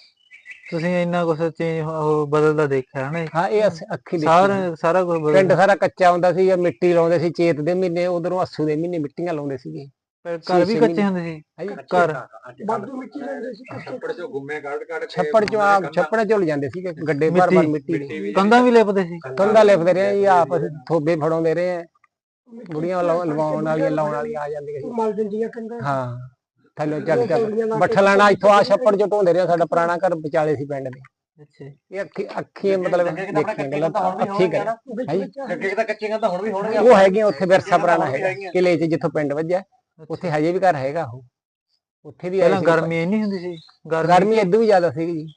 Speaker 1: ਤੁਸੀਂ ਇੰਨਾ ਕੁਛ ਚੇਂਜ ਉਹ ਬਦਲਦਾ ਦੇਖਿਆ ਹਨਾ?
Speaker 5: ਹਾਂ ਇਹ ਅਸ- ਅੱਖੀ ਦੇਖੀ
Speaker 1: ਸਾਰਾ
Speaker 5: ਸੀ।
Speaker 1: ਸਾਰਾ ਕੁਝ
Speaker 5: ਪਿੰਡ
Speaker 1: ਬਦਲ
Speaker 5: ਸਾਰਾ ਕੱਚਾ ਹੁੰਦਾ ਸੀ, ਮਿੱਟੀ ਲਾਉਂਦੇ ਸੀ ਚੇਤ ਦੇ ਮਹੀਨੇ, ਉਧਰੋਂ ਅੱਸੂ ਦੇ ਮਹੀਨੇ ਮਿੱਟੀਆਂ ਲਾਉਂਦੇ ਸੀਗੇ।
Speaker 1: ਘਰ ਵੀ
Speaker 5: ਛੇ
Speaker 1: ਕੱਚੇ
Speaker 5: ਮਹੀਨੇ।
Speaker 1: ਹੁੰਦੇ ਸੀ
Speaker 5: ਹਾਂਜੀ।
Speaker 1: ਘਰ?
Speaker 4: ਵਾਧੂ ਮਿੱਟੀ ਲੈਂਦੇ ਸੀ ਕੱਚੇ।
Speaker 3: ਛੱਪੜ ਚੋਂ ਗੁੰਮੇ ਕੱਢ ਕੱਢ ਕੇ
Speaker 5: ਛੱਪੜ ਚੋਂ ਆ ਛੱਪੜਾਂ ਚੋਂ ਲਿਜਾਂਦੇ ਸੀਗੇ ਗੱਡੇ ਭਰ ਭਰ ਮਿੱਟੀ ਦੇ।
Speaker 1: ਕੰਧਾਂ ਵੀ ਲਿਪਦੇ ਸੀ?
Speaker 5: ਕੰਧਾਂ ਲਿਪਦੇ ਰਹੇ ਜੀ, ਆਪ ਅਸੀਂ ਥੋਬੇ ਫੜਾਉਂਦੇ ਰਹੇ ਆ। ਬੁੜੀਆਂ ਲਵਾ- ਲਵਾਉਣ ਵਾਲੀਆਂ ਲਾਉਣ ਵਾਲੀਆਂ ਆ ਜਾਂਦੀਆਂ ਸੀ।
Speaker 4: ਮਲ ਦਿੰਦੀਆਂ ਕੰਧਾਂ।
Speaker 5: ਹਾਂ ਥੱਲੇ ਚੱਕ ਚੱਕ ਬੱਠਲਾਣਾ ਇੱਥੋਂ ਆ ਛੱਪੜ ਚੋਂ ਢੋਂਦੇ ਰਹੇ। ਸਾਡਾ ਪੁਰਾਣਾ ਘਰ ਵਿਚਾਲੇ ਸੀ ਪਿੰਡ ਦੇ।
Speaker 1: ਅੱਛਾ।
Speaker 5: ਇਹ ਅੱਖੀ ਅੱਖੀ ਮਤਲਬ ਦੇਖੀਆਂ ਗੱਲਾਂ ਅੱਖੀ ਕਰ
Speaker 3: ਅੱਗੇ ਤਾਂ ਕੱਚੀਆਂ ਤਾਂ ਹੁਣ ਵੀ ਹੋਣਗੀਆਂ।
Speaker 5: ਉਹ ਹੈਗੀਆਂ ਉੱਥੇ ਵਿਰਸਾ ਪੁਰਾਣਾ ਹੈਗਾ ਕਿਲੇ 'ਚ ਜਿੱਥੋਂ ਪਿੰਡ ਵੱਜਿਆ ਉੱਥੇ ਹਜੇ ਵੀ ਘਰ ਹੈਗਾ ਉਹ। ਉੱਥੇ ਵੀ ਆਏ
Speaker 1: ਪਹਿਲਾਂ
Speaker 5: ਸੀ।
Speaker 1: ਗਰਮੀ ਇੰਨੀ ਹੁੰਦੀ ਸੀ?
Speaker 5: ਗਰਮੀ ਇਦੋਂ ਵੀ ਜ਼ਿਆਦਾ ਸੀਗੀ ਜੀ।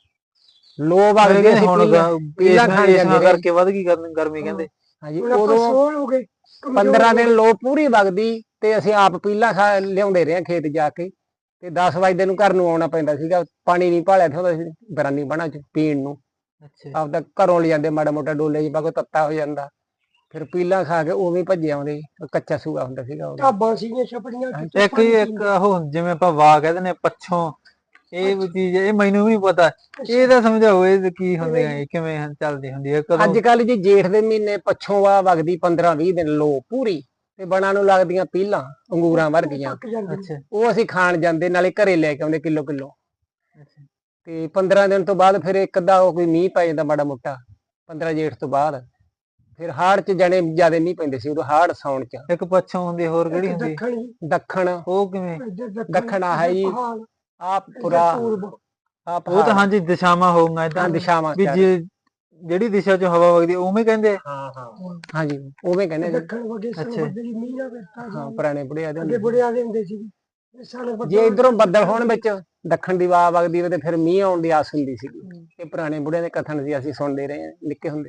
Speaker 5: ਲੋ ਵਗਦੀ
Speaker 1: ਕਹਿੰਦੇ
Speaker 5: ਸੀ
Speaker 1: ਹੁਣ
Speaker 5: ਪੀਲਾਂ ਪੀਲਾਂ ਖਾਣ
Speaker 1: ਇਸ
Speaker 5: ਜਾਂਦੇ ਰਹੇ।
Speaker 1: ਕਰਕੇ ਵੱਧ ਗਈ ਗਰਮੀ ਗਰਮੀ ਕਹਿੰਦੇ।
Speaker 5: ਹਾਂਜੀ
Speaker 4: ਹੁਣ ਆਪਾਂ
Speaker 5: ਉਦੋਂ
Speaker 4: ਸੋਹਲ ਹੋ ਗਏ, ਕਮਜ਼ੋਰ
Speaker 5: ਪੰਦਰਾਂ
Speaker 4: ਹੋ
Speaker 5: ਦਿਨ
Speaker 4: ਗਏ।
Speaker 5: ਲੋ ਪੂਰੀ ਵਗਦੀ ਤੇ ਅਸੀਂ ਆਪ ਪੀਲਾਂ ਖਾ ਲਿਆਉਂਦੇ ਰਹੇ ਖੇਤ ਜਾ ਕੇ ਤੇ ਦਸ ਵਜੇ ਨੂੰ ਘਰ ਨੂੰ ਆਉਣਾ ਪੈਂਦਾ ਸੀਗਾ। ਪਾਣੀ ਨਹੀਂ ਭਾਲਿਆ ਹੁੰਦਾ ਸੀ ਬਰਾਨੀ ਬਣਾ ਚ ਪੀਣ ਨੂੰ।
Speaker 1: ਅੱਛਾ।
Speaker 5: ਆਪਦਾ ਘਰੋਂ ਲਿਜਾਂਦੇ ਮਾੜਾ ਮੋਟਾ ਡੋਲੇ ਚ ਪਾ ਕੇ ਤੱਤਾ ਹੋ ਜਾਂਦਾ। ਫਿਰ ਪੀਲਾਂ ਖਾ ਕੇ ਉਵੇਂ ਭੱਜੇ ਆਉਂਦੇ। ਕੱਚਾ ਸੂਆ ਹੁੰਦਾ ਸੀਗਾ ਉਦੋਂ।
Speaker 4: ਢਾਬਾਂ ਸੀਗੀਆਂ ਛਪੜੀਆਂ ਚ
Speaker 1: ਇੱਕ ਹੀ ਇੱਕ ਉਹ ਜਿਵੇਂ ਆਪਾਂ ਵਾਹ ਕਹਿੰਦੇ ਨੇ ਪੱਛੋਂ, ਇਹ ਵੀ ਚੀਜ਼ ਇਹ ਮੈਨੂੰ ਵੀ ਨੀ ਪਤਾ। ਇਹ ਤਾਂ ਸਮਝਾਓ ਇਹ ਕੀ ਹੁੰਦੇ ਆ, ਇਹ ਕਿਵੇਂ ਚੱਲਦੀ ਹੁੰਦੀ ਹੈ ਕਦੋਂ?
Speaker 5: ਅੱਜ ਕੱਲ ਜੀ ਜੇਠ ਦੇ ਮਹੀਨੇ ਪੱਛੋਂ ਵਾ ਵਗਦੀ ਪੰਦਰਾਂ ਵੀਹ ਦਿਨ ਲੋ ਪੂਰੀ ਤੇ ਬਣਾ ਨੂੰ ਲੱਗਦੀਆਂ ਪੀਲਾਂ ਅੰਗੂਰਾਂ ਵਰਗੀਆਂ।
Speaker 4: ਪੱਕ ਜਾਂਦੇ।
Speaker 1: ਅੱਛਾ
Speaker 5: ਉਹ ਅਸੀਂ ਖਾਣ ਜਾਂਦੇ ਨਾਲੇ ਘਰੇ ਲੈ ਕੇ ਆਉਂਦੇ ਕਿਲੋ ਕਿਲੋ।
Speaker 1: ਅੱਛਾ।
Speaker 5: ਤੇ ਪੰਦਰਾਂ ਦਿਨ ਤੋਂ ਬਾਅਦ ਫਿਰ ਇੱਕ ਅੱਧਾ ਕੋਈ ਮੀਂਹ ਪੈ ਜਾਂਦਾ ਮਾੜਾ ਮੋਟਾ ਪੰਦਰਾਂ ਜੇਠ ਤੋਂ ਬਾਅਦ। ਫਿਰ ਹਾੜ ਚ ਜਣੇ ਜਿਆਦੇ ਮੀਂਹ ਪੈਂਦੇ ਸੀ ਉਦੋਂ ਹਾੜ ਸਾਉਣ ਚ।
Speaker 1: ਇੱਕ ਪੱਛੋਂ ਹੁੰਦੀ ਹੋਰ ਕਿਹੜੀ
Speaker 4: ਇੱਕ
Speaker 1: ਹੁੰਦੀ?
Speaker 4: ਦੱਖਣ ਜੀ,
Speaker 5: ਦੱਖਣ
Speaker 1: ਉਹ ਕਿਵੇਂ?
Speaker 4: ਇੱਧਰ
Speaker 5: ਦੱਖਣ ਆ ਹੈ ਜੀ
Speaker 4: ਪਹਾੜ,
Speaker 5: ਆ
Speaker 4: ਇੱਧਰ
Speaker 5: ਪੁਰਾ
Speaker 4: ਪੂਰਬ।
Speaker 5: ਆ
Speaker 1: ਉਹ ਤਾਂ ਹਾਂਜੀ ਦਿਸ਼ਾਵਾਂ ਹੋਊਗਾ
Speaker 5: ਹਾਂ
Speaker 1: ਏਦਾਂ
Speaker 5: ਦਿਸ਼ਾਵਾਂ
Speaker 1: ਵੀ
Speaker 5: ਚਾਰ।
Speaker 1: ਜੇ ਜਿਹੜੀ ਦਿਸ਼ਾ ਚੋਂ ਹਵਾ ਵਗਦੀ ਉਵੇਂ ਕਹਿੰਦੇ ਆ?
Speaker 5: ਹਾਂ ਹਾਂ ਹਾਂਜੀ ਉਵੇਂ ਕਹਿੰਦੇ ਜੀ।
Speaker 4: ਦੱਖਣ ਵਗੇ
Speaker 1: ਅੱਛਾ।
Speaker 4: ਸਾਨੂੰ ਬੱਦਲੀ ਮੀਂਹ ਨਾ ਵਰਤਾ
Speaker 5: ਹਾਂ ਪੁਰਾਣੇ ਬੁੜਿਆ ਦੇ
Speaker 4: ਅੱਗੇ
Speaker 5: ਹੁੰਦੇ।
Speaker 4: ਬੁੜਿਆਂ ਦੇ ਹੁੰਦੇ ਸੀ। ਸਾਨੂੰ ਬੱਦਲ
Speaker 5: ਜੇ ਇਧਰੋਂ ਬੱਦਲ ਹੋਣ ਵਿੱਚ ਦੱਖਣ ਦੀ ਵਾਹ ਵਗਦੀ ਹੋਵੇ ਤੇ ਫਿਰ ਮੀਂਹ ਆਉਣ ਦੀ ਆਸ ਹੁੰਦੀ ਸੀ। ਇਹ ਪੁਰਾਣੇ ਬੁੜਿਆਂ ਦੇ ਕਥਨ ਸੀ, ਅਸੀਂ ਸੁਣਦੇ ਰਹੇ ਹਾਂ ਨਿੱਕੇ ਹੁੰਦੇ।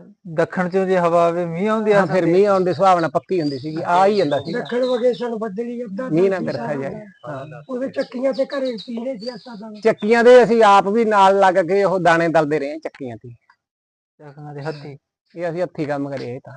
Speaker 1: ਦੱਖਣ ਚੋਂ ਜੇ ਹਵਾ ਆਵੇ ਮੀਂਹ ਆਉਂਦੀ ਆ?
Speaker 5: ਹਾਂ ਫਿਰ ਮੀਂਹ ਆਉਣ ਦੀ ਸੁਭਾਵਨਾ ਪੱਕੀ ਹੁੰਦੀ ਸੀਗੀ। ਆ ਹੀ ਜਾਂਦਾ ਸੀ
Speaker 4: ਦੱਖਣ ਵਗੇ ਸਾਨੂੰ ਬੱਦਲੀ ਅੱਧਾ
Speaker 5: ਮੀਂਹ ਨਾ
Speaker 4: ਦਸ
Speaker 5: ਵਰਖਾ
Speaker 4: ਸਾਲ
Speaker 5: ਜਾਏ।
Speaker 4: ਦਾ।
Speaker 5: ਹਾਂ
Speaker 4: ਉਹਦੇ ਚੱਕੀਆਂ ਤੇ ਘਰੇ ਪੀਣੇ ਸੀ ਆਸਾ ਦਾ।
Speaker 5: ਚੱਕੀਆਂ ਦੇ ਅਸੀਂ ਆਪ ਵੀ ਨਾਲ ਲੱਗ ਕੇ ਉਹ ਦਾਣੇ ਦਲਦੇ ਰਹੇ ਚੱਕੀਆਂ ਤੇ।
Speaker 1: ਚੱਕਣਾ ਦੇ ਹੱਥੀ?
Speaker 5: ਇਹ ਅਸੀਂ ਹੱਥੀ ਕੰਮ ਕਰੇ ਇਹ ਤਾਂ।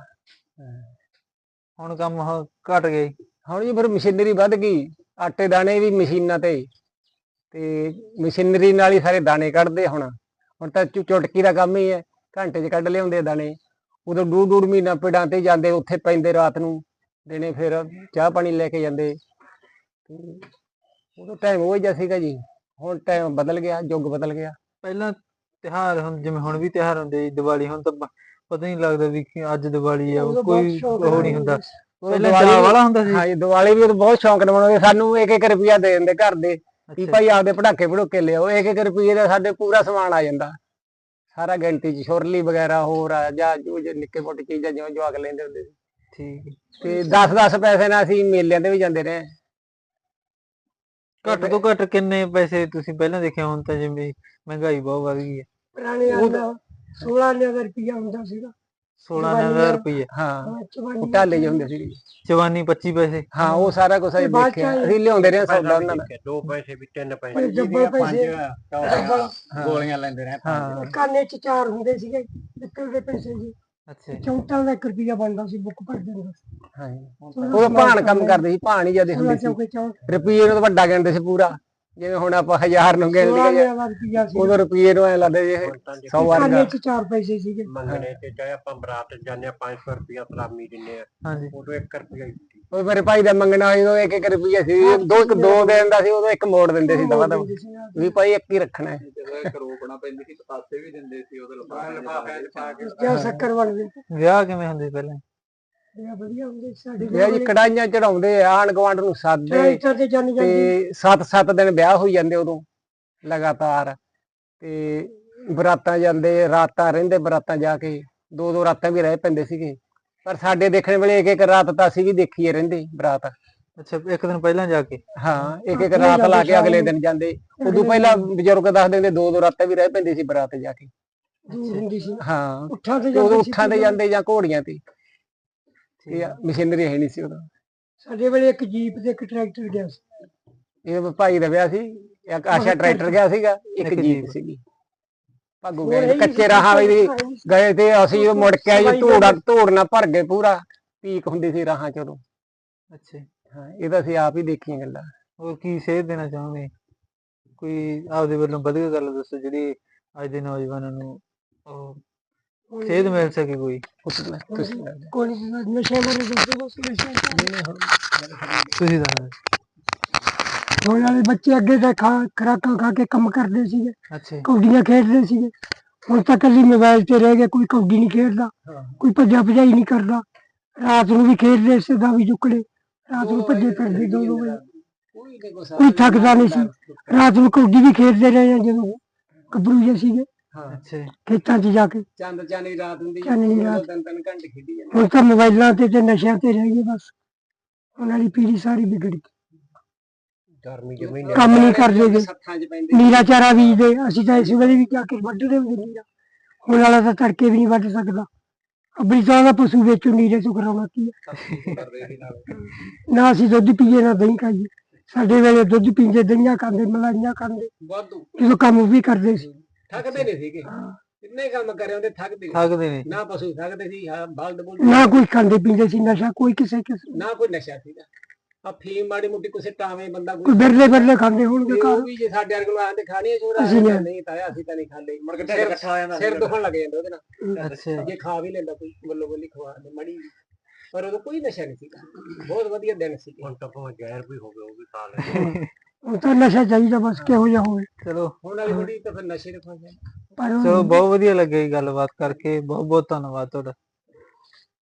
Speaker 1: ਹੁਣ ਕੰਮ ਉਹ ਘਟ ਗਏ?
Speaker 5: ਹੁਣ ਜੀ ਫਿਰ ਮਸ਼ੀਨਰੀ ਵੱਧ ਗਈ। ਆਟੇ ਦਾਣੇ ਵੀ ਮਸ਼ੀਨਾਂ ਤੇ ਤੇ ਮਸ਼ੀਨਰੀ ਨਾਲ ਹੀ ਸਾਰੇ ਦਾਣੇ ਕੱਢਦੇ। ਹੁਣ ਹੁਣ ਤਾਂ ਚੁ- ਚੁਟਕੀ ਦਾ ਕੰਮ ਹੀ ਹੈ, ਘੰਟੇ 'ਚ ਕੱਢ ਲਿਆਉਂਦੇ ਆ ਦਾਣੇ। ਉਦੋਂ ਡੂਢ ਡੂਢ ਮਹੀਨਾ ਪਿੰਡਾਂ ਤੇ ਜਾਂਦੇ, ਉੱਥੇ ਪੈਂਦੇ ਰਾਤ ਨੂੰ ਦਿਨੇ ਫਿਰ ਚਾਹ ਪਾਣੀ ਲੈ ਕੇ ਜਾਂਦੇ। ਤੇ ਉਦੋਂ ਟਾਈਮ ਉਹ ਜਿਹਾ ਸੀਗਾ ਜੀ। ਹੁਣ ਟਾਈਮ ਬਦਲ ਗਿਆ, ਯੁੱਗ ਬਦਲ ਗਿਆ।
Speaker 1: ਪਹਿਲਾਂ ਤਿਉਹਾਰ ਹੁਣ ਜਿਵੇਂ ਹੁਣ ਵੀ ਤਿਉਹਾਰ ਹੁੰਦੇ ਜੀ, ਦੀਵਾਲੀ ਹੁਣ ਤਾਂ ਪ- ਪਤਾ ਹੀ ਨਹੀਂ ਲੱਗਦਾ ਵੀ ਕਿ ਅੱਜ ਦੀਵਾਲੀ ਆ,
Speaker 4: ਉਦੋਂ ਬਹੁਤ
Speaker 1: ਕੋਈ
Speaker 4: ਸ਼ੌਕ
Speaker 1: ਉਹ
Speaker 4: ਨਾਲ
Speaker 1: ਨਹੀਂ ਹੁੰਦਾ।
Speaker 5: ਉਦੋਂ
Speaker 1: ਪਹਿਲਾਂ
Speaker 5: ਦੀਵਾਲੀ
Speaker 1: ਚਾਹ
Speaker 5: ਵੀ-
Speaker 1: ਵਾਲਾ ਹੁੰਦਾ ਸੀ?
Speaker 5: ਹਾਂਜੀ ਦੀਵਾਲੀ ਵੀ ਉਦੋਂ ਬਹੁਤ ਸ਼ੌਂਕ ਨਾਲ ਮਨਾਉਂਦੇ। ਸਾਨੂੰ ਇੱਕ ਇੱਕ ਰੁਪਿਆ ਦੇ ਦਿੰਦੇ ਘਰ ਦੇ ਵੀ
Speaker 1: ਅੱਛਾ।
Speaker 5: ਭਾਈ ਆਪਦੇ ਪਟਾਕੇ ਪਟੂਕੇ ਲਿਆਓ। ਇੱਕ ਇੱਕ ਰੁਪਈਏ ਦਾ ਸਾਡੇ ਪੂਰਾ ਸਮਾਨ ਆ ਜਾਂਦਾ ਸਾਰਾ ਗਿਣਤੀ 'ਚ। ਛੁਰਲੀ ਵਗੈਰਾ ਹੋਰ ਆ ਜਾਂ ਜੋ ਜੇ ਨਿੱਕੇ ਮੋਟੇ ਚੀਜ਼ਾਂ ਜਿਵੇਂ ਜਵਾਕ ਲੈਂਦੇ ਹੁੰਦੇ ਸੀ।
Speaker 1: ਠੀਕ ਹੈ।
Speaker 5: ਤੇ ਦਸ ਦਸ ਪੈਸੇ ਨਾਲ ਅਸੀਂ ਮੇਲਿਆਂ ਤੇ ਵੀ ਜਾਂਦੇ ਰਹੇ।
Speaker 1: ਘੱਟ ਤੋਂ ਘੱਟ ਕਿੰਨੇ ਪੈਸੇ ਤੁਸੀਂ ਪਹਿਲਾਂ ਦੇਖਿਆ? ਹੁਣ ਤਾਂ ਜਿਵੇਂ ਮਹਿੰਗਾਈ ਬਹੁਤ ਵੱਧ ਗਈ ਹੈ।
Speaker 4: ਪੁਰਾਣੇ ਆਂਦਾ ਸੋਲਾਂ ਆਨੇ ਦਾ ਰੁਪਿਆ ਹੁੰਦਾ ਸੀਗਾ।
Speaker 1: ਸੋਲਾਂ ਹਜ਼ਾਰ ਰੁਪਏ?
Speaker 5: ਹਾਂ
Speaker 4: ਹਾਂ, ਚਵਾਨੀ
Speaker 5: ਉਹ ਢਾਲੇ ਜਿਹੇ ਹੁੰਦੇ ਸੀ।
Speaker 1: ਚਵਾਨੀ ਪੱਚੀ ਪੈਸੇ?
Speaker 5: ਹਾਂ ਉਹ ਸਾਰਾ ਕੁਝ ਅਸੀਂ
Speaker 4: ਤੇ ਬਾਅਦ ਚ
Speaker 5: ਦੇਖਿਆ।
Speaker 4: ਆਏ-
Speaker 5: ਅਸੀਂ ਲਿਆਉਂਦੇ ਰਹੇ ਸੌਦਾ ਉਹਨਾਂ ਦਾ।
Speaker 2: ਦੋ ਪੈਸੇ ਵੀ ਤਿੰਨ ਪੈਸੇ
Speaker 4: ਇਹ ਡੱਬਲ ਪੈਸੇ
Speaker 3: ਟੌਫੀਆਂ, ਗੋਲੀਆਂ ਲੈਂਦੇ ਰਹੇ ਪੰਜ।
Speaker 5: ਹਾਂ
Speaker 4: ਕਾਨੇ ਚ ਚਾਰ ਹੁੰਦੇ ਸੀਗੇ ਪਿੱਤਲ ਦੇ ਪੈਸੇ ਜੀ।
Speaker 1: ਅੱਛਾ ਜੀ।
Speaker 4: ਚੌਂਟਾਂ ਦਾ ਇੱਕ ਰੁਪਿਆ ਬਣਦਾ ਸੀ ਬੁੱਕ ਭਰ ਦਿੰਦਾ ਸੀ।
Speaker 5: ਹਾਂਜੀ ਉਹ ਭਾਣ ਕੰਮ ਕਰਦੇ ਸੀ, ਭਾਣ ਹੀ ਜਿਆਦਾ ਹੁੰਦੇ ਸੀ।
Speaker 4: ਚੌਕੇ ਚੌਂਟ
Speaker 5: ਰੁਪਈਏ ਨੂੰ ਤਾਂ ਵੱਡਾ ਗਿਣਦੇ ਸੀ ਪੂਰਾ। ਜਿਵੇਂ ਹੁਣ ਆਪਾਂ ਹਜ਼ਾਰ ਨੂੰ ਗਿਣ
Speaker 4: ਸੋਲਾਂ
Speaker 5: ਲਈਏ,
Speaker 4: ਆਨੇ ਦਾ ਰੁਪਿਆ ਸੀ।
Speaker 5: ਉਦੋਂ ਰੁਪਈਏ ਨੂੰ ਐ ਲੱਗਦਾ ਜੇ ਸੌ ਵਰਗਾ।
Speaker 4: ਕਾਨੇ ਚ ਚਾਰ ਪੈਸੇ ਸੀਗੇ।
Speaker 2: ਮੰਗਣੇ ਤੇ ਚਾਹੇ ਆਪਾਂ ਬਰਾਤ ਜਾਂਦੇ ਆ ਪੰਜ ਸੌ ਰੁਪਇਆ ਸਲਾਮੀ ਦਿੰਦੇ ਆ,
Speaker 1: ਹਾਂਜੀ।
Speaker 2: ਉਦੋਂ ਇੱਕ ਰੁਪਇਆ ਹੀ ਸੀ।
Speaker 5: ਉਹ ਮੇਰੇ ਭਾਈ ਦਾ ਮੰਗਣਾ ਸੀ, ਉਦੋਂ ਇੱਕ ਇੱਕ ਰੁਪਈਆ ਸੀ। ਦੋ ਇੱਕ ਦੋ ਦੇਣ ਦਾ ਸੀ, ਉਦੋਂ ਇੱਕ ਮੋੜ ਦਿੰਦੇ ਸੀ ਦਵਾ ਦਵਾ ਵੀ ਭਾਈ ਇੱਕ ਹੀ ਰੱਖਣਾ ਹੈ।
Speaker 3: ਜਦੋਂ ਇੱਕ ਰੋਕਣਾ ਪੈਂਦੀ ਸੀ, ਪਤਾਸੇ ਵੀ ਦਿੰਦੇ ਸੀ ਉਹਦੇ ਲਿਫਾਫੇ 'ਚ ਪਾ ਕੇ।
Speaker 4: ਜਾਂ ਸ਼ੱਕਰ ਬਣਦੇ
Speaker 1: ਵਿਆਹ ਕਿਵੇਂ ਹੁੰਦੇ ਸੀ ਪਹਿਲਾਂ?
Speaker 4: ਇਹ ਵਧੀਆ ਹੁੰਦੇ ਸੀ ਸਾਡੇ
Speaker 5: ਵਿਆਹ ਜੀ ਕੜਾਈਆਂ ਚੜਾਉਂਦੇ ਆਣ ਗਵਾਂਡ ਨੂੰ ਸਾਦੇ
Speaker 4: ਟਰੈਕਟਰ ਤੇ ਜਾਣੀ ਜਾਂਦੀ।
Speaker 5: ਤੇ ਸੱਤ ਸੱਤ ਦਿਨ ਵਿਆਹ ਹੋਈ ਜਾਂਦੇ ਉਦੋਂ ਲਗਾਤਾਰ। ਤੇ ਬਰਾਤਾਂ ਜਾਂਦੇ, ਰਾਤਾਂ ਰਹਿੰਦੇ ਬਰਾਤਾਂ ਜਾ ਕੇ। ਦੋ ਦੋ ਰਾਤਾਂ ਵੀ ਰਹਿ ਪੈਂਦੇ ਸੀਗੇ। ਪਰ ਸਾਡੇ ਦੇਖਣ ਵੇਲੇ ਇੱਕ ਇੱਕ ਰਾਤ ਤਾਂ ਅਸੀਂ ਵੀ ਦੇਖੀਏ ਰਹਿੰਦੇ ਬਰਾਤ।
Speaker 1: ਅੱਛਾ, ਇੱਕ ਦਿਨ ਪਹਿਲਾਂ ਜਾ ਕੇ?
Speaker 5: ਹਾਂ ਇੱਕ ਇੱਕ ਰਾਤ ਲਾ ਕੇ ਅਗਲੇ ਦਿਨ ਜਾਂਦੇ। ਉਦੋਂ ਪਹਿਲਾਂ ਬਜ਼ੁਰਗ ਦੱਸਦੇ ਹੁੰਦੇ ਦੋ ਦੋ ਰਾਤਾਂ ਵੀ ਰਹਿ ਪੈਂਦੀ ਸੀ ਬਰਾਤ ਜਾ ਕੇ।
Speaker 4: ਦੂਰ ਹੁੰਦੀ ਸੀ।
Speaker 5: ਹਾਂ
Speaker 4: ਉੱਠਾਂ ਤੇ
Speaker 5: ਤੇ ਉਦੋਂ
Speaker 4: ਜਾਂਦੇ ਸੀ।
Speaker 5: ਉੱਠਾਂ ਤੇ ਜਾਂਦੇ ਜਾਂ ਘੋੜੀਆਂ ਤੇ। ਇਹ ਮਸ਼ੀਨਰੀ ਹੈ ਨਹੀਂ ਸੀ ਉਦੋਂ।
Speaker 4: ਸਾਡੇ ਵੇਲੇ ਇੱਕ ਜੀਪ ਤੇ ਇੱਕ ਟਰੈਕਟਰ ਗਿਆ ਸੀ।
Speaker 5: ਇਹ ਭਾਈ ਦਾ ਵਿਆਹ ਸੀ, ਇੱਕ ਆਸ਼ਾ ਟਰੈਕਟਰ ਗਿਆ ਸੀਗਾ, ਇੱਕ
Speaker 1: ਇੱਕ
Speaker 5: ਜੀਪ
Speaker 1: ਜੀਪ।
Speaker 5: ਸੀਗੀ। ਭਾਗੂ ਗਏ ਕੱਚੇ ਰਾਹਾਂ ਵੀ ਗਏ ਤੇ ਅਸੀਂ ਉਹ ਮੁੜ ਕੇ ਆਏ ਧੂੜਾ ਧੂੜ ਨਾਲ ਭਰ ਗਏ ਪੂਰਾ ਪੀਕ ਹੁੰਦੀ ਸੀ ਰਾਹਾਂ ਚ ਉਦੋਂ।
Speaker 1: ਅੱਛਾ ਜੀ।
Speaker 5: ਹਾਂ ਇਹ ਤਾਂ ਅਸੀਂ ਆਪ ਹੀ ਦੇਖੀਆਂ ਗੱਲਾਂ।
Speaker 1: ਹੋਰ ਕੀ ਸੇਧ ਦੇਣਾ ਚਾਹੋਗੇ? ਕੋਈ ਆਪਦੇ ਵੱਲੋਂ ਵਧੀਆ ਗੱਲ ਦੱਸੋ ਜਿਹੜੀ ਅੱਜ ਦੇ ਨੌਜਵਾਨਾਂ ਨੂੰ ਉਹ ਸੇਧ ਮਿਲ ਸਕੇ ਕੋਈ।
Speaker 5: ਤੁਸੀਂ
Speaker 4: ਕੋਈ ਨੀ, ਨਸ਼ਿਆਂ ਬਾਰੇ ਦੱਸੋ ਬਸ। ਨਸ਼ਿਆਂ
Speaker 1: ਤੁਸੀਂ ਦੱਸੋ।
Speaker 4: ਹੁਣ ਵਾਲੇ ਬੱਚੇ ਅੱਗੇ ਤਾਂ ਖਾ ਖੁਰਾਕਾਂ ਖਾ ਕੇ ਕੰਮ ਕਰਦੇ ਸੀਗੇ,
Speaker 1: ਅੱਛਾ ਜੀ।
Speaker 4: ਕੌਡੀਆਂ ਖੇਡਦੇ ਸੀਗੇ। ਹੁਣ ਤਾਂ ਇਕੱਲੀ ਮੋਬਾਈਲ ਤੇ ਰਹਿ ਗਏ, ਕੋਈ ਕੌਡੀ ਨਹੀਂ ਖੇਡਦਾ, ਕੋਈ ਭੱਜਾ ਭਜਾਈ ਨਹੀਂ ਕਰਦਾ। ਰਾਤ ਨੂੰ ਵੀ ਖੇਡਦੇ ਸੀ ਦਾਵੀ ਚੁੱਕੜੇ, ਰਾਤ ਨੂੰ ਭੱਜੇ ਫਿਰਦੇ ਦੋ ਦੋ ਵਜੇ, ਕੋਈ ਥੱਕਦਾ ਨਹੀਂ ਸੀ। ਰਾਤ ਨੂੰ ਕੌਡੀ ਵੀ ਖੇਡਦੇ ਰਹੇ ਆ ਜਦੋਂ ਗੱਭਰੂ ਜਿਹੇ ਸੀਗੇ
Speaker 1: ਅੱਛਾ ਜੀ।
Speaker 4: ਖੇਤਾਂ 'ਚ ਜਾ ਕੇ।
Speaker 5: ਚੰਦ ਚਾਨੀ ਰਾਤ ਹੁੰਦੀ
Speaker 4: ਚਾਨਣੀ ਰਾਤ।
Speaker 5: ਤਿੰਨ ਤਿੰਨ ਘੰਟੇ ਖੇਡੀ ਜਾਂਦੇ।
Speaker 4: ਹੁਣ ਤਾਂ ਮੋਬਾਈਲਾਂ ਤੇ ਤੇ ਨਸ਼ਿਆਂ ਤੇ ਰਹਿ ਗਏ ਬਸ। ਉਹਨਾਂ ਦੀ ਪੀੜ੍ਹੀ ਸਾਰੀ ਵਿਗੜ ਗਈ,
Speaker 2: ਗਰਮੀ ਜਮੀ
Speaker 4: ਕੰਮ ਨਹੀਂ ਕਰਦੇ ਗੇ।
Speaker 5: ਸੱਥਾਂ 'ਚ ਪੈਂਦੇ
Speaker 4: ਨੀਰਾ ਚਾਰਾ ਬੀਜਦੇ, ਅਸੀਂ ਤਾਂ ਇਸ ਵੇਲੇ ਵੀ ਜਾ ਕੇ ਵੱਢਦੇ ਹੁੰਦੇ ਨੀਰਾ। ਹੁਣ ਵਾਲਾ ਤਾਂ ਤੜਕੇ ਵੀ ਨਹੀਂ ਵੱਢ ਸਕਦਾ। ਅੱਬਰੀ ਤਾਂ ਦਾ ਪਸ਼ੂ ਵੇਚੋ ਨੀਰੇ ਤੋਂ ਕਰਾਉਣਾ ਕੀ ਹੈ। ਨਾ ਅਸੀਂ ਦੁੱਧ ਪੀਏ ਨਾ ਦਹੀਂ ਖਾਈਏ। ਸਾਡੇ ਵੇਲੇ ਦੁੱਧ ਪੀਂਦੇ, ਦਹੀਂਆਂ ਖਾਂਦੇ, ਮਲਾਈਆਂ ਖਾਂਦੇ,
Speaker 5: ਵਾਧੂ
Speaker 4: ਜਦੋਂ ਕੰਮ ਵੀ ਕਰਦੇ ਸੀ।
Speaker 5: ਥੱਕਦੇ ਨਹੀਂ ਸੀਗੇ, ਕਿੰਨੇ ਕੰਮ ਕਰੇ ਹੁੰਦੇ ਥੱਕਦੇ ਨੀ।
Speaker 1: ਥੱਕਦੇ ਨੇ।
Speaker 5: ਨਾ ਪਸ਼ੂ ਥੱਕਦੇ ਸੀ, ਹਾਂ ਬਲਦ ਬੁਲਦ
Speaker 4: ਨਾ ਕੋਈ ਖਾਂਦੇ ਪੀਂਦੇ ਸੀ ਨਸ਼ਾ, ਕੋਈ ਕਿਸੇ ਕਿਸੇ
Speaker 5: ਨਾ ਕੋਈ ਨਸ਼ਾ ਸੀਗਾ। ਆ ਫੀਮ ਮਾੜੀ ਮੋਟੀ ਕਿਸੇ ਟਾਵੇਂ ਬੰਦਾ
Speaker 4: ਕੋਈ ਬਿਰਲੇ ਬਿਰਲੇ ਖਾਂਦੇ ਹੋਣਗੇ
Speaker 5: ਤੇ
Speaker 4: ਘਰ।
Speaker 5: ਉਹ ਵੀ ਜੇ ਸਾਡੇ ਵਰਗੇ ਨੂੰ ਆਂਦੇ ਖਾਣੀ ਸ਼ੁਰੂ
Speaker 4: ਅਸੀਂ ਨਹੀਂ।
Speaker 5: ਨਹੀਂ ਤਾਇਆ ਅਸੀਂ ਤਾਂ ਨਹੀਂ ਖਾਂਦੇ। ਮੁੜ ਕੇ ਢਿੱਡ ਇਕੱਠਾ ਹੋ ਜਾਂਦਾ, ਸਿਰ ਦੁਖਣ ਲੱਗ ਜਾਂਦਾ ਉਹਦੇ ਨਾਲ।
Speaker 1: ਅੱਛਾ।
Speaker 5: ਜੇ ਖਾ ਵੀ ਲੈਂਦਾ ਕੋਈ ਬੱਲੋ ਬੱਲੀ ਖਵਾ ਦੇ ਮੜੀ, ਪਰ ਉਦੋਂ ਕੋਈ ਨਸ਼ਾ ਨਹੀਂ ਸੀਗਾ। ਬਹੁਤ ਵਧੀਆ ਦਿਨ ਸੀ।
Speaker 2: ਹੁਣ ਤਾਂ ਭਾਵੇਂ ਜ਼ਹਿਰ ਵੀ ਹੋਵੇ ਉਹ ਵੀ ਖਾ ਲੈ।
Speaker 4: ਹੁਣ ਤਾਂ ਨਸ਼ਾ ਚਾਹੀਦਾ ਬਸ, ਕਿਹੋ ਜਿਹਾ ਹੋਵੇ।
Speaker 1: ਚਲੋ
Speaker 5: ਹੁਣ ਵਾਲੀ ਬੁੱਢੀ ਤਾਂ ਫਿਰ ਨਸ਼ੇ ਦੇ ਫਸ ਜਾਂਦੀ।
Speaker 4: ਪਰ
Speaker 1: ਚਲੋ ਬਹੁਤ ਵਧੀਆ ਲੱਗਿਆ ਜੀ ਗੱਲਬਾਤ ਕਰਕੇ। ਬਹੁਤ ਬਹੁਤ ਧੰਨਵਾਦ ਤੁਹਾਡਾ।